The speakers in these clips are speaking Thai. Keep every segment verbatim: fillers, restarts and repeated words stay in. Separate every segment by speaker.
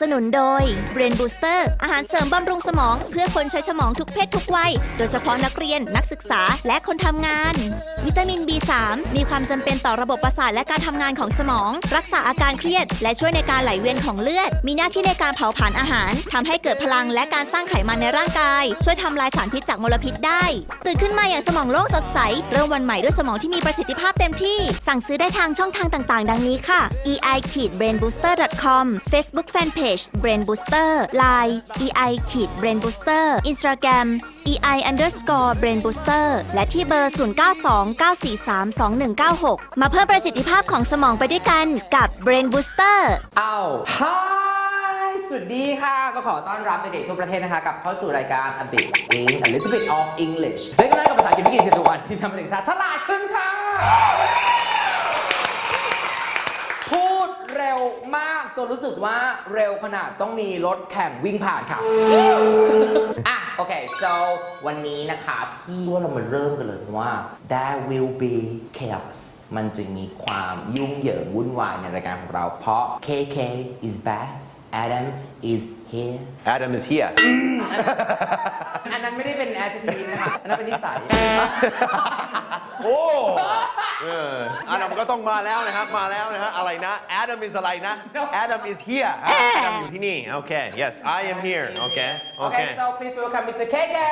Speaker 1: สนุนโดย Brain Booster อาหารเสริมบำรุงสมองเพื่อคนใช้สมองทุกเพศทุกวัยโดยเฉพาะนักเรียนนักศึกษาและคนทำงานวิตามิน บี สาม มีความจำเป็นต่อระบบประสาทและการทำงานของสมองรักษาอาการเครียดและช่วยในการไหลเวียนของเลือดมีหน้าที่ในการเผาผลาญอาหารทำให้เกิดพลังและการสร้างไขมันในร่างกายช่วยทำลายสารพิษจากมลพิษได้ตื่นขึ้นมาอย่างสมองโล่งสดใสเริ่มวันใหม่ด้วยสมองที่มีประสิทธิภาพเต็มที่สั่งซื้อได้ทางช่องทางต่างๆดังนี้ค่ะ อี ไอ brain booster ดอท คอม Facebook Fanpage Brain Booster ไลน์ อี ไอ brain booster Instagram อี ไอ underscore brain booster และที่เบอร์ ศูนย์ เก้า สอง เก้า สี่ สาม สอง หนึ่ง เก้า หก มาเพิ่มประสิทธิภาพของสมองไปด้วยกันกับ Brain Booster
Speaker 2: อ้าวฮายสวัสดีค่ะก็ขอต้อนรับเด็กๆทั่วประเทศนะคะกลับเข้าสู่รายการ A Bit In A Little Bit of English เล่นกันเลยกับภาษาอังกฤษไม่กี่ทุกวันที่ทำให้เด็กชาติฉลาดขึ้นค่ะพูดเร็วมากจนรู้สึกว่าเร็วขนาดต้องมีรถแข่งวิ่งผ่านค่ะ อ่ะโอเค so วันนี้นะคะที่ว่าเรามาเริ่มกันเลยว่า there will be chaos มันจะมีความยุ่งเหยิงวุ่นวายในรายการของเราเพราะ เค เค is back Adam is here
Speaker 3: Adam is here
Speaker 2: อันนั้นไม่ได้เป็น adjective นะคะอันนั้นเป็นนิสัย
Speaker 3: โอ้เออ Adam ก็ต้องมาแล้วนะครับมาแล้วนะฮะอะไรนะ Adam is อะไรนะ Adam is here Adam อยู่ที่นี่โอเค yes I am here โอเคโอเค
Speaker 2: Okay so please welcome มิสเตอร์ เค เค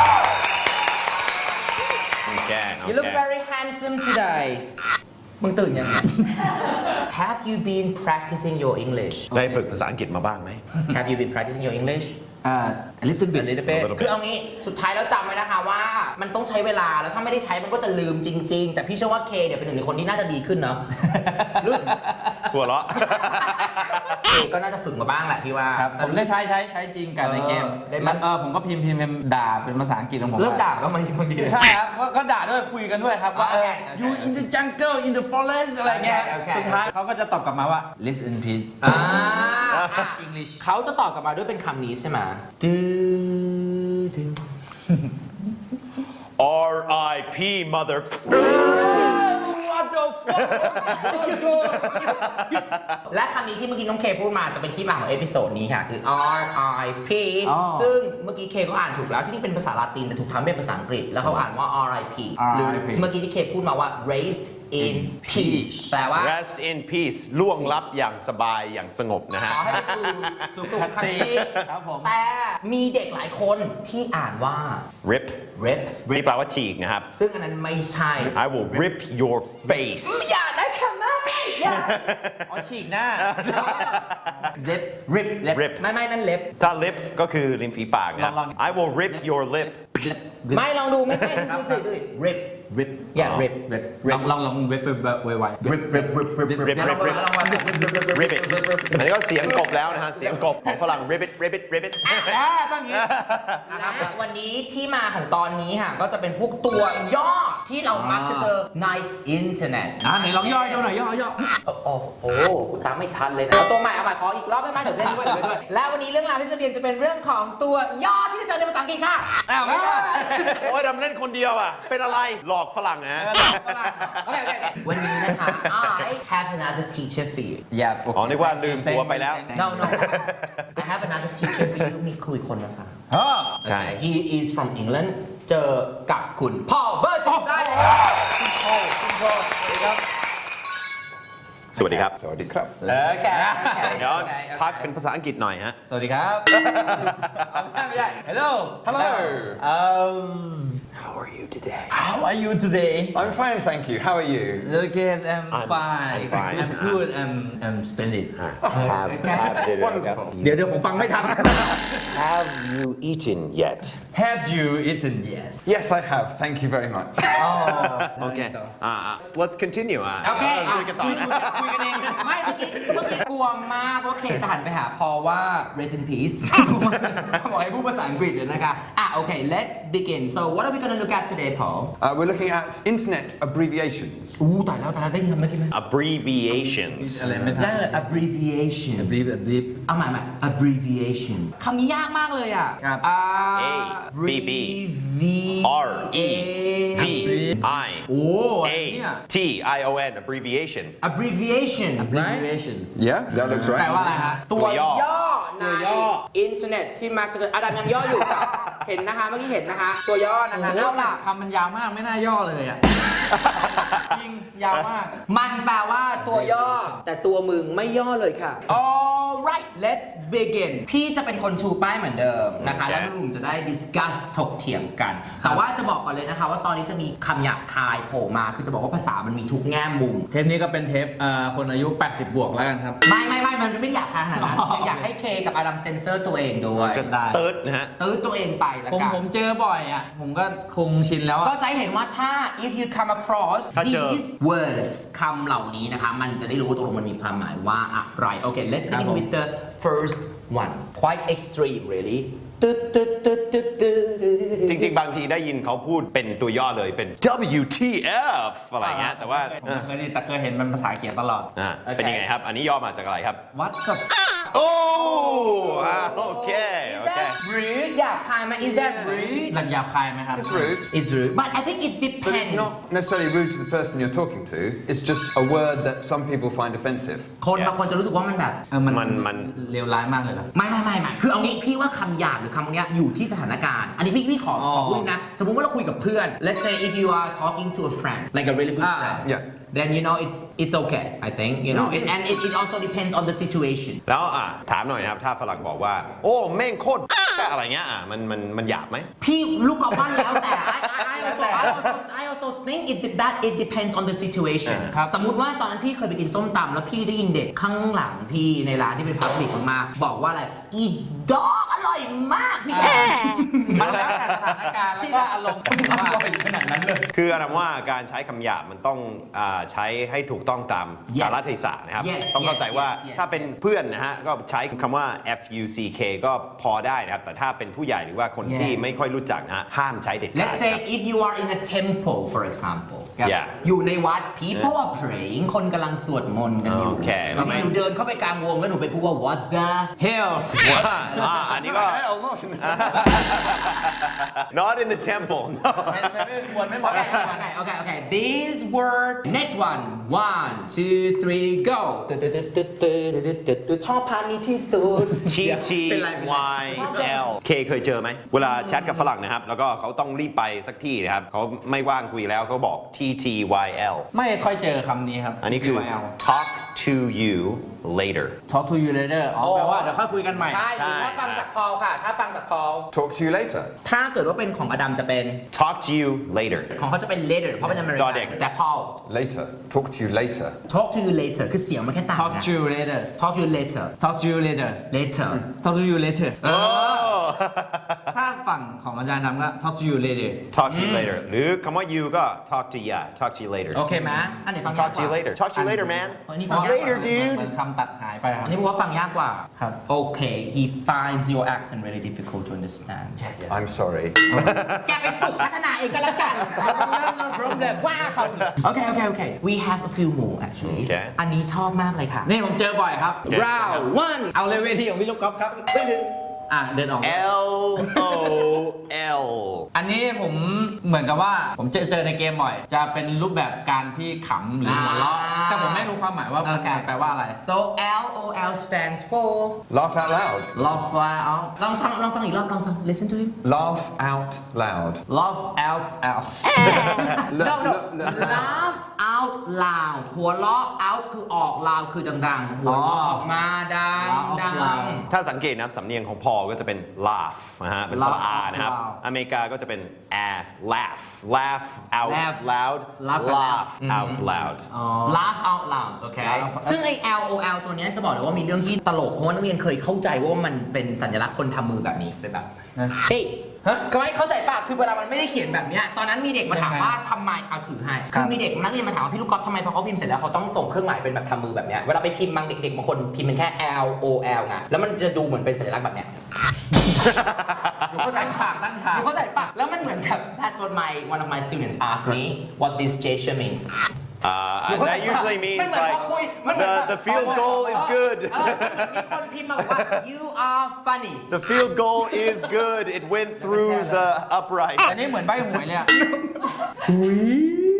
Speaker 3: โอเค
Speaker 2: You look very handsome today มึงตื่นยังไง Have you been practicing your English
Speaker 3: ได้ฝึกภาษาอังกฤษมาบ้างไหม
Speaker 2: Have you been practicing your English
Speaker 4: Uh, a little bit.
Speaker 2: A little bit
Speaker 3: A little bit
Speaker 2: คือเอางี้สุดท้ายแล้วจำไว้นะคะว่ามันต้องใช้เวลาแล้วถ้าไม่ได้ใช้มันก็จะลืมจริงๆแต่พี่เชื่อว่าเคเนี่ยเป็นหนึ่งในคนที่น่าจะดีขึ้นเนาะ
Speaker 3: หัวเราะ
Speaker 2: เคก็น่าจะฝึกมาบ้างแหละพี่ว่า
Speaker 4: ครับผมได้ใช้ใช้ใช้จริงกันในเกม
Speaker 2: เออได้ไหม
Speaker 4: มันเออผมก็พิมพ์พิมพ์พิมพ์ด่าเป็นภาษาอังกฤษของผม
Speaker 2: เลิกด่าก็มาบางที
Speaker 4: ใช่ครับก็ก็ด่าด้วยคุยกันด้วยครับว่าเออ
Speaker 2: โอเคโอเค
Speaker 4: you in the jungle in the forest อะไรเงี้ย
Speaker 2: โอเคโอเค
Speaker 4: สุดท้ายเขาก็จะตอบกลับมาว่า listen please
Speaker 2: อ่า
Speaker 4: English
Speaker 2: เขาจะตอบกลับมาด้วยเป็นคำนี้ใช่ไหมดูดู
Speaker 3: R I P mother
Speaker 4: What the fuck
Speaker 2: และคำนี้ที่เมื่อกี้น้องเคพูดมาจะเป็นที่มาของเอพิโซดนี้ค่ะ คือ R I P
Speaker 4: อ๋อ
Speaker 2: ซึ่งเมื่อกี้เคก็อ่านถูกแล้วที่จริงเป็นภาษาลาตินแต่ถูกทำเป็นภาษาอังกฤษ แล้วเขาอ่านว่า R I P หรือเมื่อกี้ที่เคพูดมาว่า raised in peace แปลว่า
Speaker 3: rest in peace ล่วงลับอย่างสบายอย่างสงบนะฮะ
Speaker 2: ขอให้สู่สู่สุขคติ
Speaker 4: ครับผม
Speaker 2: แต่มีเด็กหลายคนที่อ่านว่า
Speaker 3: rip
Speaker 2: rip
Speaker 3: นี่แปลว่าฉีกนะครับ
Speaker 2: ซึ่งอันนั้นไม่ใช่
Speaker 3: I will rip your face
Speaker 2: อย่าได้ค่ะไม่อย่า
Speaker 4: อ๋อฉีกหน้า lip rip lip
Speaker 3: rip
Speaker 2: ไม่ไม่นั่นเล็บ
Speaker 3: ถ้า lip ก็คือริมฝีปากนะครับ
Speaker 4: ลองๆ
Speaker 3: I will rip your lip
Speaker 4: lip
Speaker 2: ไม่ลองดูไม่ใช่ดูดูสิดูสิ rip
Speaker 4: rip
Speaker 2: อย่า rip
Speaker 4: rip ลองลองลองเว็บไวๆ rip rip rip rip
Speaker 3: rip
Speaker 2: rip
Speaker 3: rip rip rip it อันนี้ก็เสียงกบแล้วนะฮะเสียงกบของฝรั่ง rip it rip it rip it
Speaker 4: อ่าต้องอย่างนี้
Speaker 2: และวันนี้ที่มาของตอนนี้ค่ะก็จะเป็นพวกตัวย่อที่เรามักจะเจอในอินเทอร์เน็ต
Speaker 4: อ่าไหนลองย่อยดูหน่อยย่อย่อ
Speaker 2: โอ้โหโอ้โหกูตามไม่ทันเลยนะเอาตัวใหม่เอาใหม่ขออีกรอบได้ไหมเดี๋ยวเล่นด้วยเดี๋ยวเล่นด้วยและวันนี้เรื่องราวที่จะเรียนจะเป็นเรื่องของตัวย่อที่จะเจอในภาษาอังกฤษค่ะ
Speaker 4: อ้าวไม่ได้
Speaker 3: โอ้ยดำเล่นคนเดียวอ่ะ เป็นอะไร หลอกฝรั่งนะ
Speaker 2: โอเคโอเคโอเควันนี้นะคะ I have another teacher for you
Speaker 4: อย่า
Speaker 3: อ๋อนึกว่าลืมตัวไปแล้ว
Speaker 2: no no I have another teacher for you มีครูอีกคนมาฟัง
Speaker 4: เออ
Speaker 3: ใช่
Speaker 2: He is from England เจอกับคุณพ่อเบอร์จได้เลย
Speaker 3: สวัสดีครับ สวัสดีครับ
Speaker 2: โอเค
Speaker 3: เดี๋ยวทักเป็นภาษาอังกฤษหน่อยฮะ
Speaker 4: สวัสดีครับไม่ใช่ Hello
Speaker 5: Hello.
Speaker 4: Um
Speaker 3: How are you today
Speaker 4: How are you today
Speaker 5: I'm fine, thank you. How are you?
Speaker 4: Okay I'm
Speaker 3: I'm-
Speaker 4: fine
Speaker 3: I'm fine.
Speaker 4: I'm good I'm I'm splendid
Speaker 3: Have have
Speaker 5: Wonderful.
Speaker 4: เดี๋ยวเดี๋ยวผมฟังไม่ทัน
Speaker 3: Have you eaten yet
Speaker 4: Have you eaten yet
Speaker 5: Yes, I have. Thank you very much.
Speaker 3: โอเคอ่า let's continue อ่ะ
Speaker 2: โอเค
Speaker 3: คุยกันต่อนะ
Speaker 2: คุยกันเองไม่เมื่อกี้เมื่อกี้กลัวมากว่าเคจะหันไปหาพอว่า rest in peace บอกให้พูดภาษาอังกฤษเลยนะคะอ่ะโอเค let's begin so what are we gonna look at today Paul
Speaker 5: Uh, we're looking at internet abbreviations.
Speaker 2: อู้ตายแล้วตายแล้วได้ยินคำเมื่อกี้ไหม
Speaker 3: abbreviations
Speaker 4: อะไรไม่ทั
Speaker 2: ได้
Speaker 4: น
Speaker 2: เลย abbreviation
Speaker 4: บลีบลีบ
Speaker 2: เอาใหม่ใหม่ abbreviation คำนี้ยากมากเลยอ่ะ
Speaker 4: ครับ
Speaker 2: อ่า
Speaker 3: A B B R E V I
Speaker 4: โอ้
Speaker 3: A
Speaker 4: เนี่ย
Speaker 3: T I O N abbreviation
Speaker 2: abbreviation right
Speaker 4: abbreviation
Speaker 5: Yeah, that looks
Speaker 2: แปล
Speaker 5: right.
Speaker 2: ว่าอะไรฮะตัว
Speaker 3: ตัวย่อ
Speaker 2: ย่อใน
Speaker 4: ตัวย่อ
Speaker 2: อินเทอร์เน็ตที่มักจะอดัมยังย่ออยู่ค่ะ เห็นนะคะเมื่อกี้เห็นนะคะ ตัวย่อนะคะเอาล่ะ
Speaker 4: คำมันยาวมากไม่น่าย่อเลยอ่ะ จริง ยาวมาก
Speaker 2: มันแปลว่าตัวย่อ แต่ตัวมึงไม่ย่อเลยค่ะ alright let's begin พี่จะเป็นคนชูป้ายเหมือนเดิมนะคะ
Speaker 3: โอเค
Speaker 2: แล้วหนุ่มจะได้ discuss ถกเถียงกัน แต่ว่าจะบอกก่อนเลยนะคะ ว่าตอนนี้จะมีคำหยาบคายโผล่มา คือจะบอกว่าภาษามันมีทุกแง่มุม
Speaker 4: เทปนี้ก็เป็นเทปเอ่อคนอายุ แปดสิบ บวกแล้วกันครับ
Speaker 2: ไม่ไม่ไม่มันไม่ได้หยาบคายขนาดนั้นอยากให้เคกับอดัมเซนเซอร์ตัวเองด้วย
Speaker 3: จะ
Speaker 4: ได้
Speaker 3: เติร์ดนะฮะ
Speaker 2: ตื้อตัวเองไปแล้ว
Speaker 4: ผม
Speaker 2: กัน
Speaker 4: ผมเจอบ่อยอ่ะ ผมก็คงชินแล้ว
Speaker 2: ก็
Speaker 4: อ่ะ
Speaker 2: จะให้เห็นว่าถ้า if you come across
Speaker 3: ถ้าเจอ
Speaker 2: these words คำเหล่านี้นะคะ มันจะได้รู้ว่าตกลงมันมีความหมายว่าอะไร โอเค let's
Speaker 4: ครับ
Speaker 2: begin
Speaker 4: ผม
Speaker 2: with the first one quite extreme really ตึ๊ดตึ๊ดตึ๊ดตึ๊ดตึ๊ด
Speaker 3: จริงๆ บางทีได้ยินเขาพูดเป็นตัวย่อเลยเป็น ดับเบิลยู ที เอฟ อะไรเงี้ยแต่ว่า
Speaker 4: ผมไม่เคยได้แต่เคยเห็นมันภาษาเขียนตลอด
Speaker 3: อ่าเป็นยังไงครับ อันนี้ย่อมาจากอะไรครับ
Speaker 4: วัดกับ
Speaker 3: โอ้อ่าโอเค
Speaker 2: Is
Speaker 3: โอเค
Speaker 2: that rude หยาบคายไหม Is that rude
Speaker 4: หลักหยาบคายไหมครับ
Speaker 5: It's rude,
Speaker 2: It's rude but I think it
Speaker 5: but it's
Speaker 2: depends
Speaker 5: not necessarily rude to the person you're talking to. It's just a word that some people find offensive.
Speaker 2: คนบางคนจะรู้สึกว่ามันแบบ
Speaker 4: เออมัน
Speaker 3: มันมัน
Speaker 4: เลวร้ายมากเลยเหรอ
Speaker 2: ไม่ไม่ไม่ไม่คือเอางี้พี่ว่าคำหยาบหรือคำพวกเนี้ยอยู่ที่สถานการณ์ อันนี้พี่พี่ขอ
Speaker 4: อ๋อ
Speaker 2: ขอพูดนะ สมมุติว่าเราคุยกับเพื่อน let's say if you are talking to a friend like a really good
Speaker 4: อ่า
Speaker 2: friend
Speaker 5: Yeah.
Speaker 2: then you know it's it's okay I think you know it, and it, it also depends on the situation
Speaker 3: แล้วอ่ะถามหน่อยนะครับ ถ้าฝรั่งบอกว่า โอ้แม่งโคตรอะไรเงี้ยอ่ะมันมันมันหยาบไหม
Speaker 2: พี่ลูกกอล์ฟบ้านแล้วแต่ I I I also I also I also think it that it depends on the situation
Speaker 4: ครับ
Speaker 2: สมมุติว่าตอนนั้นพี่เคยไปกินส้มตำแล้วพี่ได้ยินเด็กข้างหลังพี่ในร้านที่เป็นพับลิกมากๆบอกว่าอะไรอีดอกอร่อยมากพี่ก็
Speaker 4: มันแล้วแต่สถานการณ์แล้วก็อารมณ์ว่า
Speaker 2: ขนาดนั้นเลย
Speaker 3: คืออาจารย์ว่าการใช้คำหยาบมันต้องอ่าใช้ให้ถูกต้องตาม
Speaker 2: Yes.
Speaker 3: กาลเทศะนะครับ
Speaker 2: Yes,
Speaker 3: ต้องเข้าใจ
Speaker 2: yes,
Speaker 3: ว่า
Speaker 2: yes, yes,
Speaker 3: ถ้าเป็น
Speaker 2: yes.
Speaker 3: เพื่อนนะฮะก็ใช้คำว่า f u c k ก็พอได้นะครับ แต่ถ้าเป็นผู้ใหญ่หรือว่าคนที่
Speaker 2: Yes.
Speaker 3: ไม่ค่อยรู้จักนะฮะห้ามใช้เด็ดขาด
Speaker 2: Let's
Speaker 3: นะ
Speaker 2: say
Speaker 3: ครับ
Speaker 2: if you are in a temple for example
Speaker 3: Yeah.
Speaker 2: อยู่ในวัด people are praying คนกำลังสวดมนต์กันอยู่
Speaker 3: โอเค
Speaker 2: แล้วหนูเดินเข้าไปกลางวงแล้วหนูไปพูดว่า what the
Speaker 4: hell
Speaker 3: ว่าอ่าอันนี้ก็
Speaker 5: Hell, not in the temple.
Speaker 3: not in the temple no
Speaker 4: ไม่ไม่ไม่ควรไม่เหมาะ
Speaker 2: okay okay okay okay this word next one one two three go ชอบพานี้ที่สุด
Speaker 3: T T
Speaker 2: เป็นไรเป็นไร
Speaker 3: Y L K เคยเจอไหม เวลาแชทกับฝรั่งนะครับ แล้วก็เขาต้องรีบไปสักที่นะครับ เขาไม่ว่างคุยแล้วเขาบอก T T Y L
Speaker 4: ไม่ค่อยเจอคำนี้ครับ
Speaker 3: อันนี้คือ
Speaker 4: ที วาย แอล
Speaker 3: talk to you later
Speaker 4: talk to you later อ๋อแปลว่าเดี๋ยวค่อยคุยกันใหม่
Speaker 2: ใช่หรือถ้าฟังจากพอลค่ะ ถ้าฟังจากพอล
Speaker 5: Talk to you later.
Speaker 2: ถ้าเกิดว่าเป็นของอดัมจะเป็น
Speaker 3: talk to you later
Speaker 2: ของเขาจะเป็น later เพราะเป็นอเมริ
Speaker 3: ด
Speaker 2: กั
Speaker 3: อเด็ก
Speaker 2: แต่พอล
Speaker 5: Later. Talk to you later.
Speaker 2: talk to you later คือเสียงมันแค่ต่าง
Speaker 4: talk
Speaker 2: นะ
Speaker 4: to you later
Speaker 2: talk to you later
Speaker 4: talk to you later
Speaker 2: later
Speaker 4: talk to you later
Speaker 2: เออ
Speaker 4: ถ้าฝั่งของอาจารย์ดำก็ talk to you later
Speaker 3: talk to you later หรือคำว่า you ก็ talk to ya talk to you later
Speaker 2: โอเคไหมอันไหนฟังยาก
Speaker 3: talk
Speaker 2: ก
Speaker 3: to you
Speaker 2: ว่า
Speaker 3: later talk to you later man
Speaker 2: อันนี้ฟังยากกว่า
Speaker 3: later dude
Speaker 4: เหมือนคำตัดหายไปครั
Speaker 2: อั
Speaker 4: บ
Speaker 2: นนี้บอกว่าฟังยากกว่า
Speaker 4: ครับ
Speaker 2: โอเค he finds your accent really difficult to understand
Speaker 5: I'm sorry.
Speaker 2: แกไปฝึกพัฒนาเองก็แล้วกัน no problem ว่าเขาโอเคโอเคโอเค we have a few more actually
Speaker 3: โอเค
Speaker 2: อันนี้ชอบมากเลยค่ะ
Speaker 4: นี่ผมเจอบ่อยครับ
Speaker 2: round one
Speaker 4: เอาเลยเวทีของพี่ลูกกอล์ฟครับอ่ะเดินออก
Speaker 3: L O L
Speaker 4: อันนี้ผมเหมือนกับว่าผมเจอเจอในเกมบ่อย จะเป็นรูปแบบการที่ขำหรือหัวเราะ
Speaker 2: อ่า
Speaker 4: แต่ผมไม่รู้ความหมายว่ามัน
Speaker 2: โอเค
Speaker 4: แปลว่าอะไร
Speaker 2: so L O L stands for
Speaker 5: Laugh out loud.
Speaker 4: love fly out
Speaker 2: ลองฟังลองฟังอีกรอบลองฟัง listen to him
Speaker 5: Laugh out loud.
Speaker 4: love out out
Speaker 2: no no laugh out loud หัวเราะ out คือออก loud คือดังๆ หัวเราะออกมาดัง
Speaker 4: Laugh
Speaker 2: ดั
Speaker 4: out
Speaker 2: ง
Speaker 4: loud
Speaker 3: ถ้าสังเกตนะครับสำเนียงของพอก็จะเป็น laugh นะฮะเป็นสระ
Speaker 4: Laugh
Speaker 3: อานะครับ
Speaker 4: out loud
Speaker 3: อเมริกาก็จะเป็น ass laugh laugh out
Speaker 4: Laugh
Speaker 3: loud
Speaker 4: Laugh
Speaker 3: laugh out loud
Speaker 2: laugh out loud โอเค
Speaker 4: Laugh
Speaker 2: ซึ่งไอ้ L O L ตัวเนี้ยจะบอกเลยว่ามีเรื่องที่ตลก เพราะว่านักเรียนเคยเข้าใจว่ามันเป็นสัญลักษณ์คนทำมือแบบนี้เป็นแบบ
Speaker 4: นะ
Speaker 2: เฮ้ย
Speaker 4: ฮะ
Speaker 2: ก็ไม่เข้าใจป่ะ คือเวลามันไม่ได้เขียนแบบเนี้ยตอนนั้นมีเด็กมาถามว่าทำไมเอาถือให้
Speaker 4: ครั
Speaker 2: คื
Speaker 4: บ
Speaker 2: อมีเด็กนักเรียนมาถามว่าพี่ลูกกอล์ฟทำไมพอเขาพิมพ์เสร็จแล้วเขาต้องส่งเครื่องหมายเป็นแบบทำมือแบบเนี้ย เวลาไปพิมพ์บางเด็กๆบางคนพิมพ์เป็นแค่ L O L ไง แล้วมันจะดูเหมือนเป็นสัญลักษณ์แบบเนี้ย
Speaker 4: อยู่เข้าใจฉากตั้งฉาก
Speaker 2: หนูเข้าใจปะแล้วมันเหมือนกับ that's what my one of my students asked me what this gesture means
Speaker 3: Uh,
Speaker 2: หนูเข้าใจ
Speaker 3: that
Speaker 2: ปะ
Speaker 3: usually
Speaker 2: มัน
Speaker 3: means
Speaker 2: เหมือนพอ
Speaker 3: like
Speaker 2: คุยมันเหมือน
Speaker 3: the
Speaker 2: แบบ
Speaker 3: the field goal is good
Speaker 2: เออมีคนพิมพ์มาบอกว่า you are funny
Speaker 3: the field goal is good it went through the upright
Speaker 4: อันนี้เหมือนใบหวยเลยอะ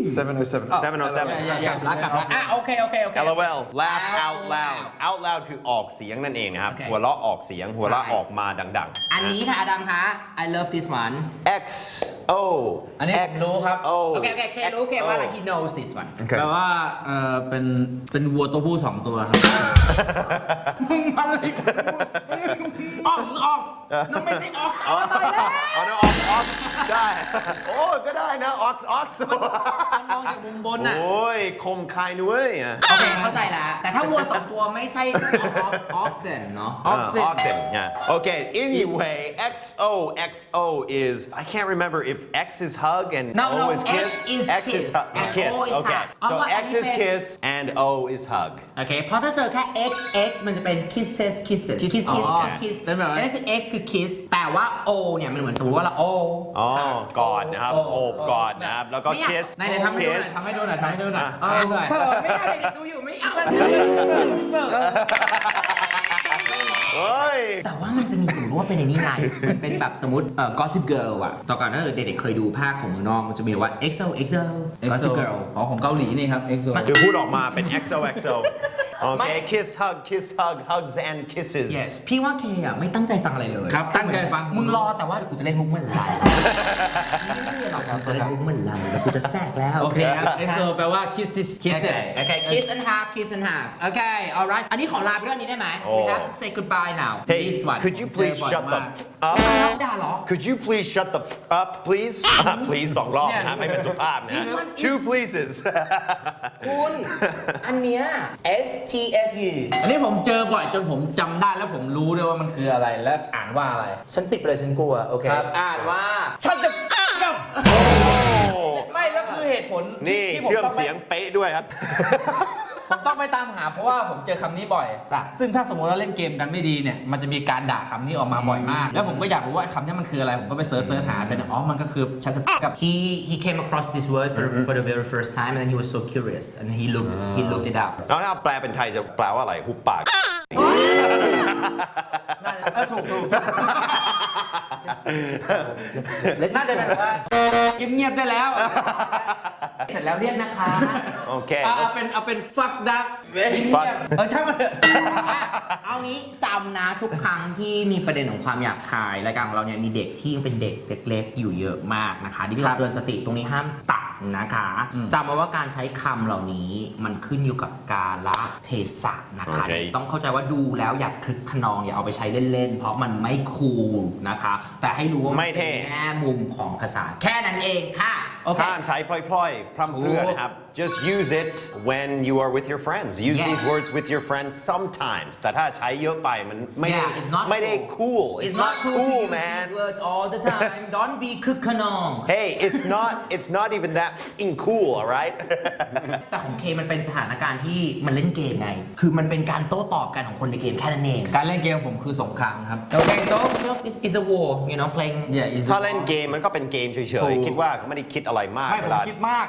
Speaker 5: seven oh seven. Oh,
Speaker 3: เจ็ดศูนย์เจ็ด
Speaker 4: อย่าอย่า
Speaker 2: กลับกลับแล้วอ่ะโอเคโอเคโอเค
Speaker 3: แอล โอ แอล laugh out loud out loud คือออกเสียงนั่นเองนะครับ
Speaker 2: โอเค
Speaker 3: หัวเราะออกเสียง หัวเราะ
Speaker 2: ใช่
Speaker 3: ออกมาดัง
Speaker 2: อันนี้ค่ะอดัมคะ I love this one
Speaker 3: ๆ X O
Speaker 4: อันนี้ผมรู้ครับ
Speaker 3: O
Speaker 2: โอเคโอเคเครู้เคว่า he knows this one
Speaker 5: Okay.
Speaker 4: แปลว่าเออเป็นเป็นวัวตัวผู้สองตัวครับ
Speaker 2: มึงมันเลยออกออกน้องไม่ใช่ออก
Speaker 3: อ๋อ
Speaker 2: ตายแล้ว
Speaker 3: อ๋อนะ ox ox ได้ โอ้ก็ได้นะ ox ox
Speaker 4: มองจากมุมบนน่ะ
Speaker 3: โอ้ยคมคายนุ้ยอ่ะ
Speaker 2: โอเคเข้าใจแล้ว แต่ถ้าวัวสองตัวไม่ใช่ oxen เนาะ
Speaker 3: Uh, oxen, yeah. Okay, anyway, X O X O is, I can't remember if X is hug and
Speaker 2: No,
Speaker 3: O
Speaker 2: no,
Speaker 3: is
Speaker 2: X
Speaker 3: kiss.
Speaker 2: is
Speaker 3: X is
Speaker 2: kiss
Speaker 3: hu-
Speaker 2: and
Speaker 3: kiss.
Speaker 2: O is
Speaker 3: Okay,
Speaker 2: hug. เอา
Speaker 3: so
Speaker 2: ว่า
Speaker 3: X
Speaker 2: อันนี้
Speaker 3: is
Speaker 2: เป็น
Speaker 3: kiss and O is hug.
Speaker 2: โอเคเพราะถ้าเจอแค่ x x มันจะเป็น kisses kisses kiss kiss
Speaker 4: อ๋อ
Speaker 2: kiss kiss
Speaker 4: เป็นแบบนั้น
Speaker 2: นั่นคือ x คือ kiss แต่ว่า o เนี่ยมันเหมือนสมมติว่าเรา o
Speaker 3: อ๋อกอดนะครับโอบกอดนะครับ แล้วก็ kiss
Speaker 4: ไหนๆทำให้ดูหน่อย
Speaker 3: kiss
Speaker 4: ทำให้ดูหน่อยทำให้ดูหน่อย
Speaker 3: อ่ะ
Speaker 4: ทำให้ดูหน่อย
Speaker 2: เขินไม่ได้เด็กดูอยู่ไม่เอา
Speaker 3: เฮ้ย
Speaker 2: แต่ว่ามันจะมีสมมติว่าเป็นในนี้ไงมันเป็นแบบสมมติเอ่อ gossip girl อะต่อก่อนถ้าเกิดเด็กๆเคยดูภาคของเมืองนอกมันจะมีว่า เอ็กโซ เอ็กโซ gossip girl
Speaker 4: อ๋อของเกาหลีนี่ครับ เอ็กโซ
Speaker 3: คือพูดออกมาเป็น X O X O โอเค kiss hug kiss hug hugs and kisses
Speaker 2: yes พี่ว่าเคอะไม่ตั้งใจฟังอะไรเลย
Speaker 4: ครับตั้งใจฟัง
Speaker 2: มึงรอแต่ว่าเดี๋ยวกูจะเล่นมุกเมื่อไหร่ไม่ได้หรอกเราจะเล่นมุกเมื่อไหร่แล้วกูจะแทรกแล้ว
Speaker 4: โอเคครับ เอ็กโซแปลว่า kisses kisses
Speaker 2: โอเค kiss and hug kiss and hugs โอเค alright อันนี้ขอลาไปด้วยอันนี้ได้ไหม we have to say goodbye now
Speaker 3: Hey
Speaker 2: this one
Speaker 3: could you please
Speaker 4: เจอบ่อย
Speaker 3: shut the
Speaker 4: มาก
Speaker 3: f- up
Speaker 2: ด่าเหรอ
Speaker 3: Could you please shut the f- up please please สองรอบนะไม่เป็นสุภาพนะ
Speaker 2: This one is-
Speaker 3: two pleases
Speaker 2: คุณอันเนี้ย S T F U
Speaker 4: อันนี้ผมเจอบ่อยจนผมจำได้แล้วผมรู้ด้วยว่ามันคืออะไรและอ่านว่าอะไร
Speaker 2: ฉันปิดไปเลยฉันกลัว โอเค
Speaker 4: ครับ
Speaker 2: อ่านว่า ฉันจะกับ
Speaker 4: ไม่แล้วคือเหตุผลที่
Speaker 3: นี่
Speaker 4: ที่ผม
Speaker 3: เชื่อม
Speaker 4: ต้องไป
Speaker 3: เสียงเป๊ะด้วยครับ
Speaker 4: ผมต้องไปตามหาเพราะว่าผมเจอคำนี้บ่อย
Speaker 2: จ้ะ
Speaker 4: ซึ่งถ้าสมมติว่าเล่นเกมกันไม่ดีเนี่ยมันจะมีการด่าคำนี้ออกมาบ่อยมาก แล้วผมก็อยากรู้ว่าไอ้คำนี้มันคืออะไรผมก็ไปเสิร์ชเสิร์ชหาเป็นอ๋อมันก็คือฉันจะกับ
Speaker 2: he he came across this word for for the very first time and then he was so curious and he looked he looked it up
Speaker 3: แล้วถ้าแปลเป็นไทยจะแปลว่าอะไรหุบปาก
Speaker 4: เออถูกถูก
Speaker 2: Just- just go. Let's- let's
Speaker 4: น่าจะแบบว่าเงียบๆได้แล้ว
Speaker 2: เสร็จแล้วเรียกนะคะ
Speaker 3: โอเค
Speaker 4: เอาเป็นเอาเป็นฟักดัก
Speaker 3: Fuck
Speaker 4: เออช่างมันเถอะ
Speaker 2: เอางี้จำนะทุกครั้งที่มีประเด็นของความหยาบคายรายการของเราเนี่ยมีเด็กที่ยังเป็นเด็กเล็กๆอยู่เยอะมากนะคะที่เราเตือนสติตรงนี้ห้ามตัดนะคะจำไว้ว่าการใช้คำเหล่านี้มันขึ้นอยู่กับกาลเทศะนะคะ
Speaker 3: โอเค
Speaker 2: ต้องเข้าใจว่าดูแล้วอย่าคลึกขนองอย่าเอาไปใช้เล่นๆ เพราะมันไม่คูลนะคะ แต่ให้รู้ว่ามัน
Speaker 3: ไม่เท่
Speaker 2: เป็นแง่มุมของภาษาแค่นั้นเองค่ะโอเค
Speaker 3: ห้ามใช้พล่อยๆ พร่ำเพรื่อนะครับ just use it when you are with your friends use
Speaker 2: Yes.
Speaker 3: these words with your friends sometimes แต่ถ้าใช้เยอะไปมันไม่ได้
Speaker 2: Yeah, it's not
Speaker 3: ไม่ได้ cool
Speaker 2: It's not cool to use
Speaker 3: man
Speaker 2: these words all the time Don't be คึกขนอง
Speaker 3: hey it's not it's not even that f***ing cool alright
Speaker 2: แต่ของเคมันเป็นสถานการณ์ที่มันเล่นเกมไง คือมันเป็นการโต้ตอบกันของคนในเกมแค่นั้นเอง
Speaker 4: การเล่นเกมผมคือสงครามครับ
Speaker 2: โอเค so it's it's a war you know playing
Speaker 4: Yeah, is
Speaker 3: ถ้าเล่นเกมมันก็เป็นเกมเฉ
Speaker 4: ถู
Speaker 3: ย
Speaker 4: ก
Speaker 3: ๆ คิดว่าเขาไม่ได้คิดอะไรมาก
Speaker 4: ไม่ผ
Speaker 3: เว
Speaker 4: ม
Speaker 3: ลา
Speaker 4: คิดมาก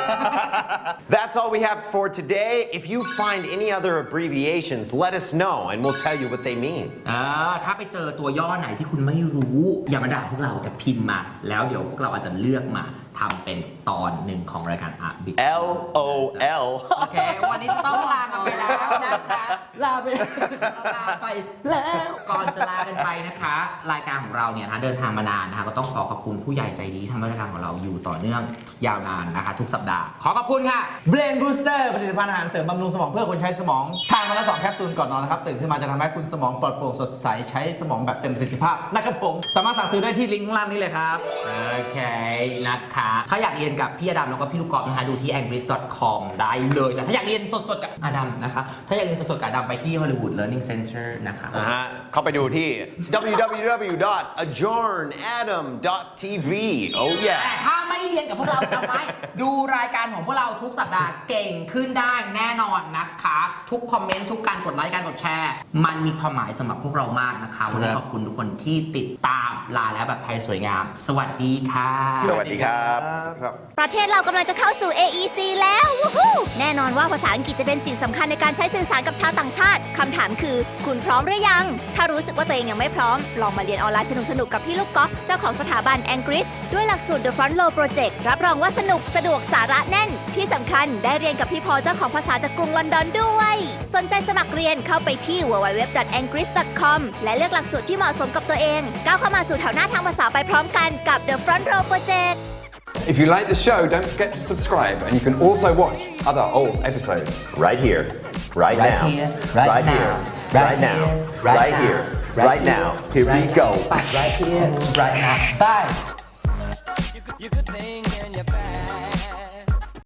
Speaker 3: That's all we have for today if you find any other abbreviations let us know and we'll tell you what they mean
Speaker 2: อ่าถ้าไปเจอตัวย่อไหนที่คุณไม่รู้ อย่ามาด่าพวกเราแต่พิมพ์มา แล้วเดี๋ยวพวกเราอาจจะเลือกมาทำเป็นตอนหนึ่งของรายการอ่ะบิ๊ก
Speaker 3: L O L
Speaker 2: โอเค วันนี้จะต้องลากันไปแล้วนะคะ ลาไปลาไปแล้ว ก่อนจะลากันไปนะคะ รายการของเราเนี่ยนะเดินทางมานานนะคะ ก็ต้องขอขอบคุณผู้ใหญ่ใจดีที่ทำให้รายการของเราอยู่ต่อเนื่องยาวนานนะคะ ทุกสัปดาห์ ขอขอบคุณค่ะ
Speaker 4: Brain Booster ผลิตภัณฑ์อาหารเสริมบำรุงสมองเพื่อคนใช้สมองทานวันละสองแคปซูลก่อนนอนนะครับ ตื่นขึ้นมาจะทำให้คุณสมองปลอดโปร่งสดใส ใช้สมองแบบเต็มประสิทธิภาพนะครับผม สามารถสั่งซื้อได้ที่ลิงก์ข้างล่างนี้เลยครับ
Speaker 2: โอเคนะคะ ถ้าอยากเรียนกับพี่อดัมแล้วก็พี่ลูกกอล์ฟนะคะดูที่ angris dot com ได้เลย แต่ถ้าอยากเรียนสดๆกับอดัมนะคะ ถ้าอยากเรียนสดๆกับอดัมไปที่ Hollywood Learning Center นะคะ
Speaker 3: นะฮะเข้าไปดูที่ ดับเบิลยู ดับเบิลยู ดับเบิลยู ดอท a j o u r n adam ดอท ที วี oh
Speaker 2: แต่
Speaker 3: yeah
Speaker 2: ถ้าไม่เรียนกับพวกเราจำไว้ ดูรายการของพวกเราทุกสัปดาห์เก่งขึ้นได้แน่นอนนะคะทุกคอมเมนต์ทุกการกดไลค์การกดแชร์ มันมีความหมายสำหรับพวกเรามากนะคะวันนี้ขอบคุณทุกคนที่ติดตามลาแล้วแบบไทยสวยงาม สวัสดีค่ะ
Speaker 3: สวัสดีครับครับครับ
Speaker 1: ประเทศเรากำลังจะเข้าสู่ เอ อี ซี แล้ววู้ฮู้แน่นอนว่าภาษาอังกฤษจะเป็นสิ่งสำคัญในการใช้สื่อสารกับชาวต่างชาติ คำถามคือ คุณพร้อมหรือยัง ถ้ารู้สึกว่าตัวเองยังไม่พร้อม ลองมาเรียนออนไลน์สนุกๆ กับพี่ลูกกอล์ฟเจ้าของสถาบัน Angris ด้วยหลักสูตร The Front Row Project รับรองว่าสนุกสะดวกสาระแน่น ที่สำคัญได้เรียนกับพี่พอเจ้าของภาษาจากกรุงลอนดอนด้วย สนใจสมัครเรียนเข้าไปที่ ดับเบิลยู ดับเบิลยู ดับเบิลยู ดอท แองกริส ดอท คอม และเลือกหลักสูตรที่เหมาะสมกับตัวเองก้าวเข้ามาสู่แถวหน้าทางภาษาไปพร้อมกันกับ The Front Row Project
Speaker 5: If you like the show, don't forget to subscribe, and you can also watch other old episodes right here, right,
Speaker 2: Right
Speaker 5: now,
Speaker 2: here, right now,
Speaker 5: here,
Speaker 2: right
Speaker 5: right now,
Speaker 2: here, right
Speaker 5: right
Speaker 2: now,
Speaker 5: here,
Speaker 2: right
Speaker 5: right
Speaker 2: here,
Speaker 5: now. Here we
Speaker 2: right
Speaker 5: go.
Speaker 2: now, right here, right now. Bye.